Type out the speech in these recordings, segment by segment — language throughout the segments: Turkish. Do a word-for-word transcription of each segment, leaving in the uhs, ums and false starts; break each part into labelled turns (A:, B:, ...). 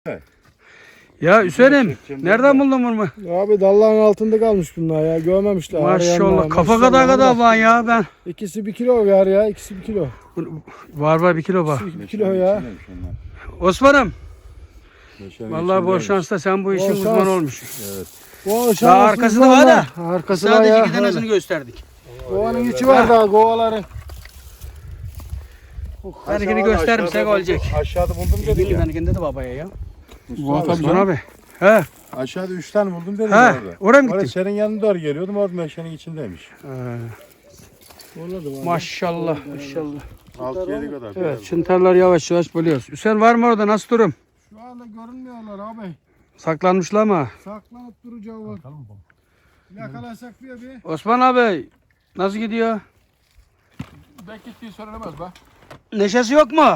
A: Ya Hüseyin'im nereden buldun bunu?
B: Abi dalların altında kalmış bunlar ya, görmemişler.
A: Maşallah kafa kadar kadar var ya ben.
B: İkisi bir kilo var ya, ikisi bir kilo.
A: Var var bir kilo var.
B: İkisi bir kilo ya.
A: Osman'ım. Vallahi bol şansla sen bu işin
B: Bol
A: uzmanı
B: şans.
A: olmuşsun.
B: Evet. Bu
A: Daha arkası da var da.
B: Arkası var
A: Sadece
B: ya.
A: iki tanesini gösterdik.
B: Kovanın içi var daha, kovaların.
A: Benimkini göstermişsek olacak.
C: Aşağıda buldum dedik
A: Benim
C: ya.
A: benimkinde de babaya ya.
C: Mustafa
A: Osman abi. He.
C: Aşağıda üç tane buldum dedik
A: He.
C: orada.
A: Oraya mı
C: Orada
A: gittin?
C: senin yanına doğru geliyordum, orada meşenin içindeymiş.
A: Ee, maşallah maşallah.
C: altı yedi kadar.
A: Evet çıntarlar yavaş yavaş buluyoruz. Hüseyin var mı orada, nasıl durum?
B: Şu anda görünmüyorlar abi.
A: Saklanmışlar mı?
B: Saklanıp duracağız. Bakalım yakalasak bir bir.
A: Osman abi nasıl gidiyor?
B: Belki gittiği söylenemez be.
A: Neşesi yok mu?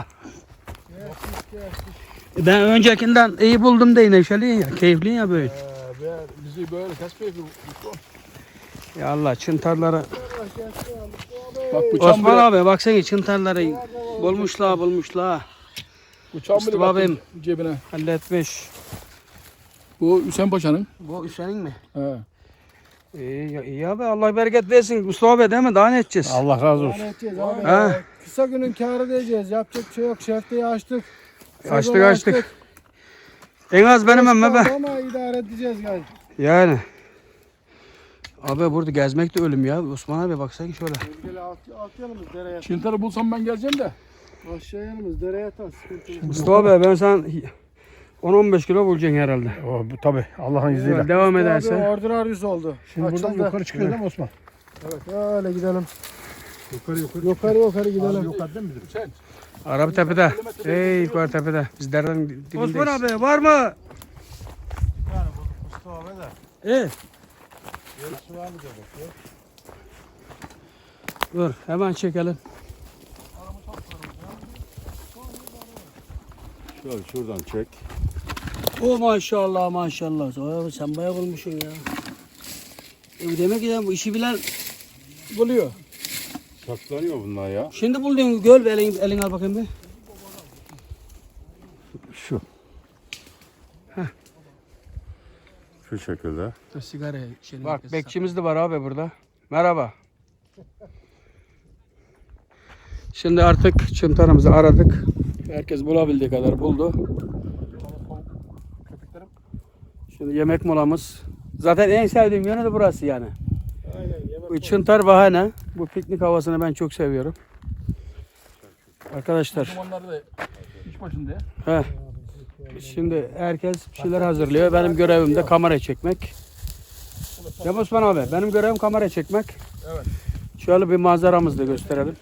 A: Ben öncekinden iyi buldum diye neşeli ya, keyifli ya böyle.
B: Ee, bizi böyle kaç keyifli.
A: Ya Allah çıntarlara.
B: Bak
A: Osman abi baksana çıntarları bulmuşlar bulmuşlar.
B: Bıçağım bile
A: Mustafa abim
B: baktım cebine.
A: halletmiş.
B: Bu Hüseyin Paşa'nın.
A: Bu Hüseyin mi?
B: He.
A: İyi, ya- iyi abi Allah bereket versin. Mustafa abi değil mi? Daha ne edeceğiz?
C: Allah razı olsun.
B: Ne edeceğiz abi?
A: He.
B: ya? Kısa günün kârı diyeceğiz. Yapacak bir şey yok. Şefteyi açtık.
A: Açtık
B: Sezonu
A: açtık. En az benim emme be.
B: Ama idare edeceğiz galiba.
A: Yani. Abi burada gezmek de ölüm ya. Osman abi baksana şöyle.
B: Gel alt, alt yanımız dereye.
D: Çintarı bulsam ben geleceğim de.
B: Aşağı yanımız dereye atar. Sıkıntı yok.
A: Mustafa abi ben sen on on beş kilo bulacaksın herhalde.
C: O, bu, tabii Allah'ın izniyle.
A: Böyle devam
B: Abi
A: ederse.
B: ordinaryus oldu.
C: Şimdi buradan
B: Açıldı.
C: yukarı çıkıyor değil mi Osman?
B: Evet öyle gidelim.
C: Yukarı yukarı.
B: Yukarı yukarı gidelim.
C: Yukarı değil mi bizim?
D: Sen.
A: Araba tepede. Ey yukarı tepede. Biz derden dibindeyiz. Osman abi var mı?
C: Yani bu Mustafa abi de.
A: Evet.
C: Yarısı var mı diye bakıyor.
A: Dur hemen çekelim.
C: Şöyle şuradan çek.
A: O maşallah maşallah. Oy, sen bayağı bulmuşsun ya. E, demek ki ya bu işi bilen buluyor.
C: Saklanıyor bunlar ya.
A: Şimdi buldun göl, elin, elin al bakayım bir.
C: Şu. Şu şekilde.
A: Dur sigara içelim. Bak bekçimiz de var abi burada. Merhaba. Şimdi artık çıntarımızı aradık. Herkes bulabildiği kadar buldu. Şimdi yemek molamız. Zaten en sevdiğim yönü de burası yani.
B: Aynen. Yemek
A: Bu çıntar bahane. Bu piknik havasını ben çok seviyorum. Arkadaşlar.
D: Dumanları da iş başında ya.
A: He. Şimdi herkes bir şeyler hazırlıyor. Benim görevim de kamera çekmek. Ya Osman abi benim görevim kamera çekmek.
D: Evet.
A: Şöyle bir manzaramızı da gösterelim.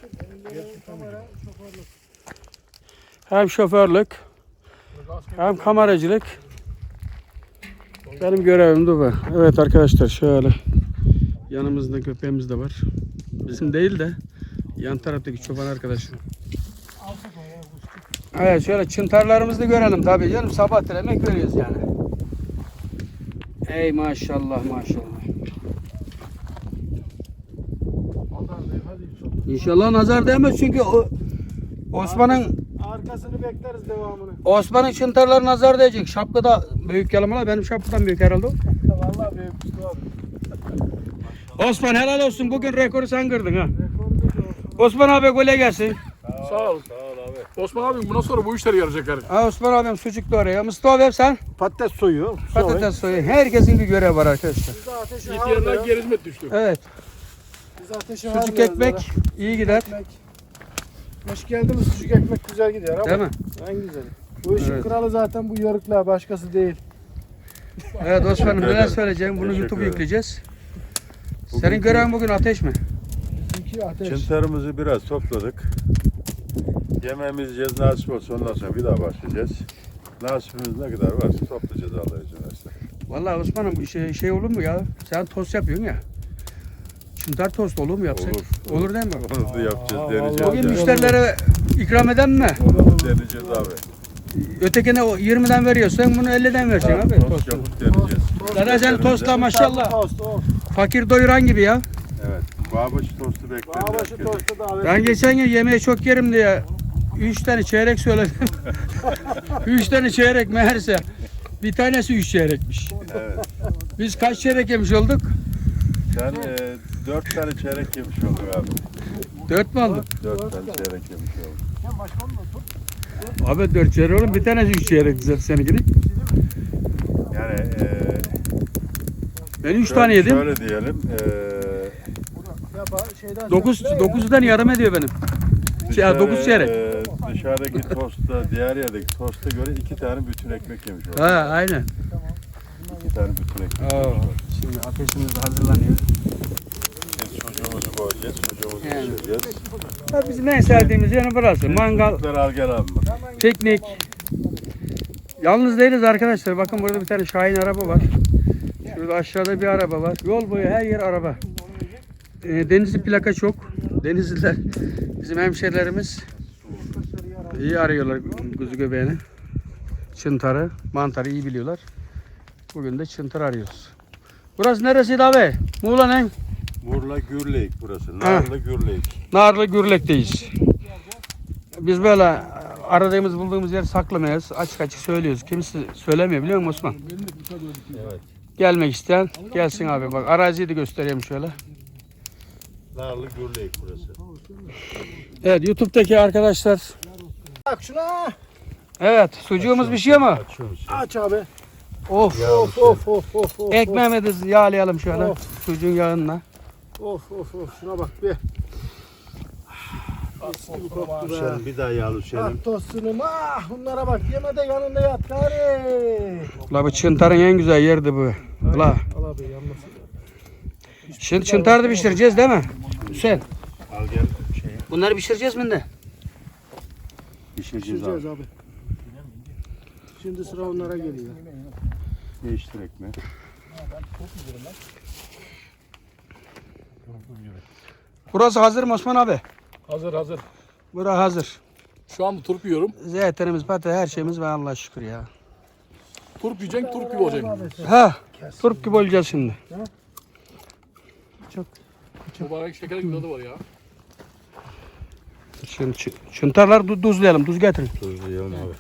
A: Hem şoförlük hem kameracılık. Benim görevim de bu. Evet arkadaşlar şöyle yanımızda köpeğimiz de var. Bizim değil de yan taraftaki çoban arkadaşım. Evet şöyle çıntarlarımızı da görelim tabii canım. Sabah emek veriyoruz yani. Ey maşallah maşallah. İnşallah nazar değmez çünkü o Osman'ın
B: Arkasını bekleriz devamını.
A: Osman'ın çıntarları nazar değecek. Şapka da büyük yalamalar. Benim şapkadan büyük herhalde o.
B: Vallahi büyük Mustafa abi.
A: Osman helal olsun. Bugün rekoru sen kırdın ha. Osman abi gole gelsin.
D: Sağ ol.
C: Sağ ol abi.
D: Osman abim bundan sonra bu işleri yarayacak yani.
A: Ha Osman abim sucuk da oraya. Mustafa abi sen
C: Patates soyuyor.
A: patates soyuyor. Herkesin bir görevi var arkadaşlar.
B: Biz de ateşi
D: Yetiyenler
B: harlıyoruz.
D: geri hizmet düştü.
A: Evet.
B: Biz ateşi
A: Sucuk
B: harlıyoruz
A: ekmek iyi gider.
B: Ekmek. Hoş geldi mi sucuk ekmek güzel gidiyor ama.
A: Değil mi?
B: En güzeli. Bu işin
A: Evet.
B: kralı zaten bu yörükler, başkası değil.
A: Evet Osman'ım neler
C: ederim.
A: söyleyeceğim? Bunu
C: Teşekkür
A: YouTube'a
C: ederim.
A: yükleyeceğiz. Senin
C: Bugünkü-
A: görevin bugün ateş mi?
B: Bizimki ateş.
C: Çıntarımızı biraz topladık. Yemeğimizi yiyeceğiz, nasip olsa ondan sonra bir daha başlayacağız. Nasibimiz ne kadar varsa toplayacağız Allah izin verirse.
A: Vallahi Osman'ım şey, şey olur mu ya? Sen tost yapıyorsun ya. Çıntar tost olur mu yapsak?
C: Olur.
A: Olur değil mi?
C: Onu da yapacağız,
B: Aa,
C: deneyeceğiz.
B: vallahi
A: Bugün
C: yani.
A: müşterilere ikram eden mi?
C: Onu deneyeceğiz abi.
A: Ötekine o yirmiden veriyorsan bunu elliden vereceksin abi.
C: Tost
A: Tostu.
C: yapıp deneyeceğiz.
A: Zaten sen tosta maşallah.
B: Tost, tost.
A: Fakir doyuran gibi ya.
C: Evet. Bağbaşı tostu bekleriz.
B: Bağbaşı
C: herkese.
B: tostu da
A: Ben geçen gün yemeği çok yerim diye üç tane çeyrek söyledim. Üç tane çeyrek meğerse bir tanesi üç çeyrekmiş.
C: Evet.
A: Biz kaç çeyrek yemiş olduk?
C: Sen e, dört tane çeyrek yemiş oldun abi.
A: Dört mü olduk?
C: Dört tane çeyrek yemiş oldun.
A: Abi dört çeyrek oğlum, bir tanesi üç çeyrek zaten seninkini.
C: Yani e,
A: Ben üç
C: şöyle-
A: tane yedim.
C: Şöyle diyelim. E,
B: Ya ba- şeyden
A: Dokuz,
B: sonra-
A: dokuzdan yarım ediyor benim. Şey,
C: dışarı-
A: dokuz çeyrek.
C: e, dışarıdaki tosta, diğer yerdeki tosta göre iki tane bütün ekmek yemiş oldun.
A: Ha aynen.
C: İki tane bütün ekmek.
A: Oo, şimdi ateşimiz de hazırlanıyor.
C: Biz çocuğumuzu koyacağız, çocuğumuzu
A: Yani.
C: pişireceğiz.
A: Ha, bizim en sevdiğimiz yanı burası. Mangal,
C: Çocukları al gel abi.
A: piknik. Yalnız değiliz arkadaşlar. Bakın burada bir tane Şahin araba var. Şurada aşağıda bir araba var. Yol boyu her yer araba. Ee, Denizli plaka çok. Denizliler bizim hemşerilerimiz iyi arıyorlar kuzu göbeğini. Çıntarı, mantarı iyi biliyorlar. Bugün de çıntar arıyoruz. Burası neresiydi abi? Muğla'nın
C: Murla Gürleyik burası. Narlı Gürleyik.
A: Narlı Gürlek'teyiz. Biz böyle aradığımız bulduğumuz yeri saklamayız. Açık açık söylüyoruz. Kimse söylemiyor biliyor musun Osman?
C: Evet.
A: Gelmek isteyen gelsin abi. Bak araziyi de göstereyim şöyle.
C: Narlı Gürleyik burası.
A: Evet YouTube'daki arkadaşlar.
B: Bak şuna.
A: Evet sucuğumuz pişiyor mu?
C: Açıyoruz.
B: Aç abi.
A: Of.
B: Of of of of of.
A: Ekmeğimizi yağlayalım şöyle.
B: Of.
A: Sucuğun yağınla.
B: Of of of. Şuna bak bir. Mis gibi koktu be.
C: Sen bir daha yağlı Hüseyin'im.
B: Ah tostunum ah. Bunlara bak. Yeme de yanında yat gari.
A: Ula bu çıntarın en güzel yerdi bu. Ula.
B: Al abi yanmasın.
A: Şimdi çıntarı da pişireceğiz değil mi? Hüseyin.
C: Al gel şeyi.
A: Bunları pişireceğiz mi de?
C: Pişireceğiz
B: Pişireceğiz
C: abi.
B: abi. Şimdi sıra onlara geliyor.
C: Değiştir ekmeği.
A: Burası hazır mı Osman abi?
D: Hazır hazır.
A: Burası hazır.
D: Şu an turp yiyorum.
A: Zeytinimiz, patates, her şeyimiz var Allah'a şükür ya.
D: Turp yiyeceksin, turp gibi olacaksın.
A: Ha, turp gibi olacağız şimdi.
D: Mübarek şeker gibi tadı var ya.
A: Şimdi çı- çıntarlar du- tuzlayalım, tuz getirin.
C: Tuzlayalım abi.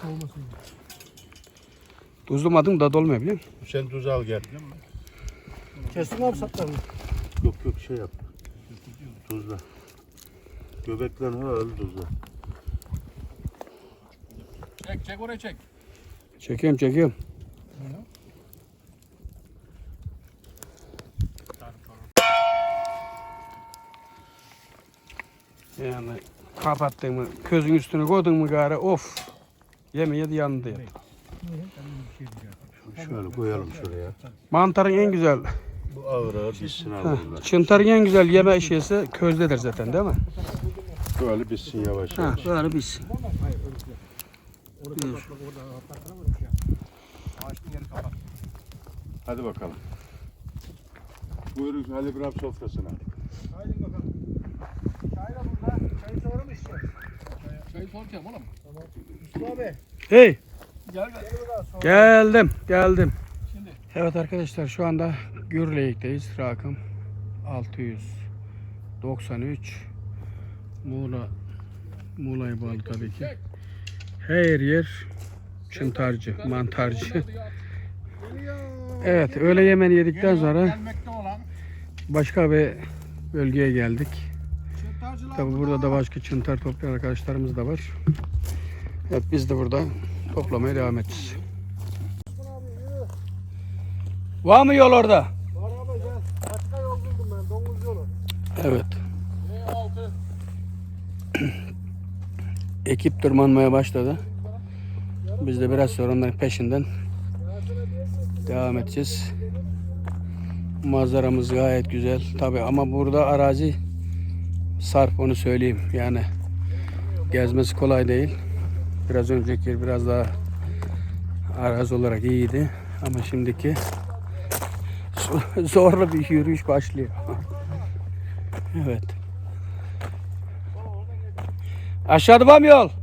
A: Tuzlamadın da olmuyor biliyor musun?
C: Sen tuz al gel.
B: Kestin abi saplarını.
C: Yok yok şey yap. Tuzla. Göbeklerini öyle tuzla.
D: Çek çek oraya çek.
A: Çekiyorum, çekiyorum. Yani kapattın mı, közün üstüne koydun mu gari of. Yemeye de yanında yap.
C: Şöyle koyalım şuraya.
A: Mantarın en güzel,
C: Bu ağır ağır bitsin abi bunlar.
A: çıntarın en güzel yeme şeysi közdedir zaten değil mi?
C: Böyle bitsin yavaş
A: Ha,
C: yavaş.
A: böyle biz.
C: Hadi bakalım. Buyurun Ali İbrahim sofrasına.
B: Haydi bakalım. Çay da burada. Çayı sonra mı içeceğiz?
D: Çayı soracağım oğlum.
B: Mustafa abi.
A: Hey,
D: Gel gel.
A: geldim, geldim.
D: Şimdi.
A: Evet arkadaşlar şu anda Gürleyik'teyiz. Rakım altı yüz doksan üç. Muğla Muğla'ya bağlı tabii ki. Her yer çıntarcı, mantarcı. Evet, öğle yemeğini yedikten sonra
B: Gelmekte olan.
A: başka bir bölgeye geldik.
B: Çıntarcılar
A: Tabii burada da başka çıntar toplayan arkadaşlarımız da var. Evet, biz de burada toplamaya devam edeceğiz. Var mı yol orada?
B: Var abi gel. Başka yol buldum ben. Domuz yolu.
A: Evet.
D: E altı.
A: Ekip tırmanmaya başladı. Biz de biraz sonra onların peşinden devam edeceğiz. Manzaramız gayet güzel. Tabii ama burada arazi sarp, onu söyleyeyim. Yani gezmesi kolay değil. Biraz önceki yer biraz daha arazi olarak iyiydi. Ama şimdiki zorlu bir yürüyüş başlıyor. Evet. Aşağıda var mı yol?